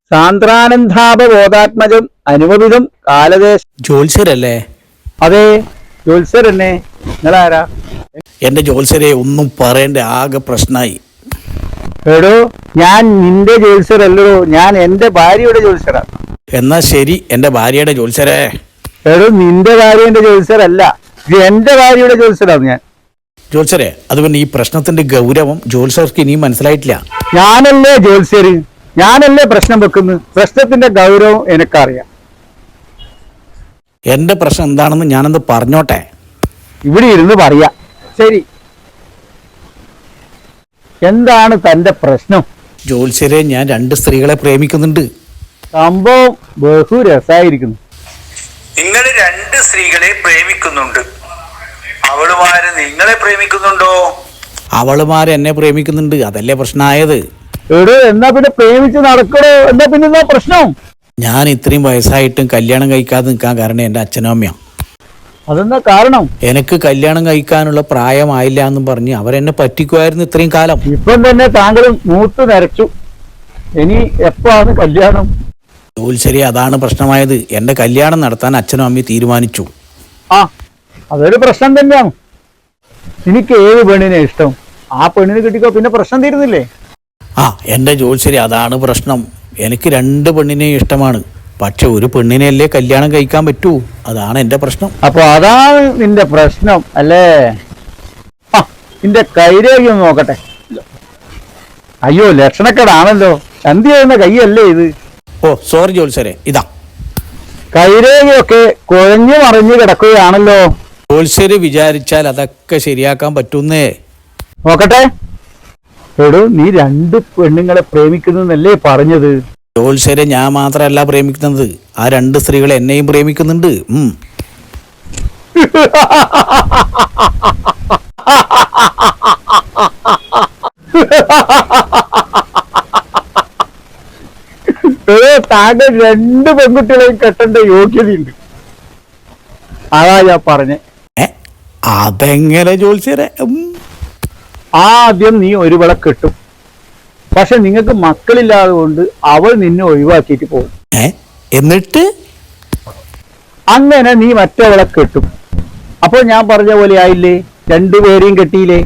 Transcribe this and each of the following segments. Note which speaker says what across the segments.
Speaker 1: സാന്ദ്രാനന്ദാപബോധാത്മജം അനുപമിതം കാലദേശ.
Speaker 2: ജോത്സ്യരല്ലേ?
Speaker 1: അതെ, ജോത്സ്യരെന്നെ. നിങ്ങളാരാ?
Speaker 2: എന്റെ ജോത്സ്യരെ ഒന്നും പറയണ്ട, ആകെ പ്രശ്നമായി.
Speaker 1: എടോ, ഞാൻ നിന്റെ ജോത്സ്യരല്ലോ, ഞാൻ എന്റെ ഭാര്യയുടെ ജോത്സ്യരാ.
Speaker 2: എന്നാ ശരി, എന്റെ ഭാര്യയുടെ ജോത്സ്യരെ.
Speaker 1: എടോ, നിന്റെ ഭാര്യന്റെ ജോത്സ്യരല്ല, ഇത് എന്റെ ഭാര്യയുടെ ജോത്സ്യരാണ് ഞാൻ.
Speaker 2: ജോത്സ്യരെ, അത് പിന്നെ ഈ പ്രശ്നത്തിന്റെ ഗൗരവം ജോത്സ്യർക്ക് ഇനിയും മനസ്സിലായിട്ടില്ല.
Speaker 1: ഞാനല്ലേ ജോത്സ്യര്, ഞാനല്ലേ പ്രശ്നം വെക്കുന്നത്. പ്രശ്നത്തിന്റെ ഗൗരവം എനിക്കറിയാം.
Speaker 2: എന്റെ പ്രശ്നം എന്താണെന്ന് ഞാനൊന്ന് പറഞ്ഞോട്ടെ.
Speaker 1: ഇവിടെ ഇരുന്ന് പറയാ. ശരി, എന്താണ് തന്റെ പ്രശ്നം?
Speaker 2: ജോത്സ്യരെ, ഞാൻ 2 സ്ത്രീകളെ പ്രേമിക്കുന്നുണ്ട്.
Speaker 1: സംഭവം ബഹു രസായിരിക്കുന്നു.
Speaker 3: നിങ്ങൾ 2 സ്ത്രീകളെ പ്രേമിക്കുന്നുണ്ട്. അവളുമാര് നിങ്ങളെ പ്രേമിക്കുന്നുണ്ടോ?
Speaker 2: അവളുമാര് എന്നെ പ്രേമിക്കുന്നുണ്ട്, അതല്ലേ പ്രശ്നമായത്.
Speaker 1: എടോ, എന്നാ പിന്നെ പ്രേമിച്ച് നടക്കണോ? എന്നാ പിന്നെ എന്താ പ്രശ്നം?
Speaker 2: ഞാൻ ഇത്രയും വയസ്സായിട്ടും കല്യാണം കഴിക്കാതെ നിൽക്കാൻ കാരണം എൻ്റെ അച്ഛനും അമ്മയാണ്.
Speaker 1: അതെന്താ കാരണം?
Speaker 2: എനിക്ക് കല്യാണം കഴിക്കാനുള്ള പ്രായമായില്ല എന്നും പറഞ്ഞ് അവരെന്നെ പറ്റിക്കുമായിരുന്നു ഇത്രയും കാലം.
Speaker 1: ഇപ്പം തന്നെ താങ്കൾ മൂത്ത് നരച്ചു. ഇനി എപ്പാണ് കല്യാണം?
Speaker 2: ജോത്സ്യരെ, അതാണ് പ്രശ്നമായത്. എൻ്റെ കല്യാണം നടത്താൻ അച്ഛനും അമ്മയും തീരുമാനിച്ചു.
Speaker 1: ആ, അതൊരു പ്രശ്നം തന്നെയാണ്. എനിക്ക് ഏത് പെണ്ണിനെ ഇഷ്ടം, ആ പെണ്ണിനെ കിട്ടിക്കോ, പിന്നെ പ്രശ്നം തീരുന്നില്ലേ?
Speaker 2: ആ, എൻ്റെ ജോത്സ്യരെ, അതാണ് പ്രശ്നം. എനിക്ക് 2 പെണ്ണിനെയും ഇഷ്ടമാണ്. പക്ഷെ ഒരു പെണ്ണിനെയല്ലേ കല്യാണം കഴിക്കാൻ പറ്റൂ, അതാണ് എൻ്റെ പ്രശ്നം.
Speaker 1: അപ്പൊ അതാണ് നിന്റെ പ്രശ്നം അല്ലേ? ആ, നിന്റെ കൈരേഖ ഒന്ന് നോക്കട്ടെ. അയ്യോ, ലക്ഷണക്കേടാണല്ലോ. ചന്തി ചെയ്യുന്ന കൈയല്ലേ ഇത്?
Speaker 2: ഓ സോറി ജോത്സ്യരെ, ഇതാ
Speaker 1: കൈരേഖയൊക്കെ കുഴഞ്ഞു മറിഞ്ഞു കിടക്കുകയാണല്ലോ.
Speaker 2: ജോത്സ്യര് വിചാരിച്ചാൽ അതൊക്കെ ശരിയാക്കാൻ പറ്റുന്നേ.
Speaker 1: നോക്കട്ടെ. എടോ, നീ 2 പെണ്ണുങ്ങളെ പ്രേമിക്കുന്നല്ലേ പറഞ്ഞത്?
Speaker 2: ജോത്സ്യരെ, ഞാൻ മാത്രമല്ല പ്രേമിക്കുന്നത്, ആ 2 സ്ത്രീകൾ എന്നെയും പ്രേമിക്കുന്നുണ്ട്.
Speaker 1: താങ്കൾ 2 പെൺകുട്ടികളെയും കെട്ടേണ്ട യോഗ്യതയുണ്ട്. അതാ ഞാൻ പറഞ്ഞേ.
Speaker 2: അതെങ്ങനെ ജോത്സ്യരെ?
Speaker 1: ആദ്യം നീ ഒരുവളെ കെട്ടും. പക്ഷെ നിങ്ങൾക്ക് മക്കളില്ലാതെ കൊണ്ട് അവൾ നിന്നെ ഒഴിവാക്കിയിട്ട് പോകും.
Speaker 2: എന്നിട്ട്
Speaker 1: അങ്ങനെ നീ മറ്റവളെ കെട്ടും. അപ്പോൾ ഞാൻ പറഞ്ഞ പോലെ ആയില്ലേ? 2 പേരെയും കെട്ടിയില്ലേ?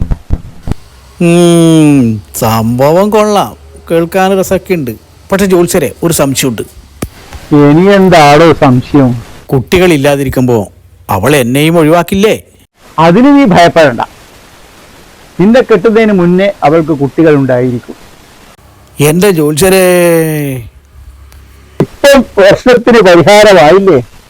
Speaker 2: സംഭവം കൊള്ളാം, കേൾക്കാൻ രസമൊക്കെ ഉണ്ട്. പക്ഷെ ജോത്സ്യരെ, ഒരു സംശയമുണ്ട്.
Speaker 1: ഇനി എന്താണോ സംശയം?
Speaker 2: കുട്ടികളില്ലാതിരിക്കുമ്പോ അവൾ എന്നെയും ഒഴിവാക്കില്ലേ?
Speaker 1: അതിന് നീ ഭയപ്പെടണ്ട. നിന്നെ കെട്ടുന്നതിന് മുന്നേ അവൾക്ക് കുട്ടികൾ ഉണ്ടായിരിക്കും.
Speaker 2: എന്റെ ജോത്സ്യരെ,
Speaker 1: ഇപ്പം പ്രശ്നത്തിന് പരിഹാരമായില്ലേ?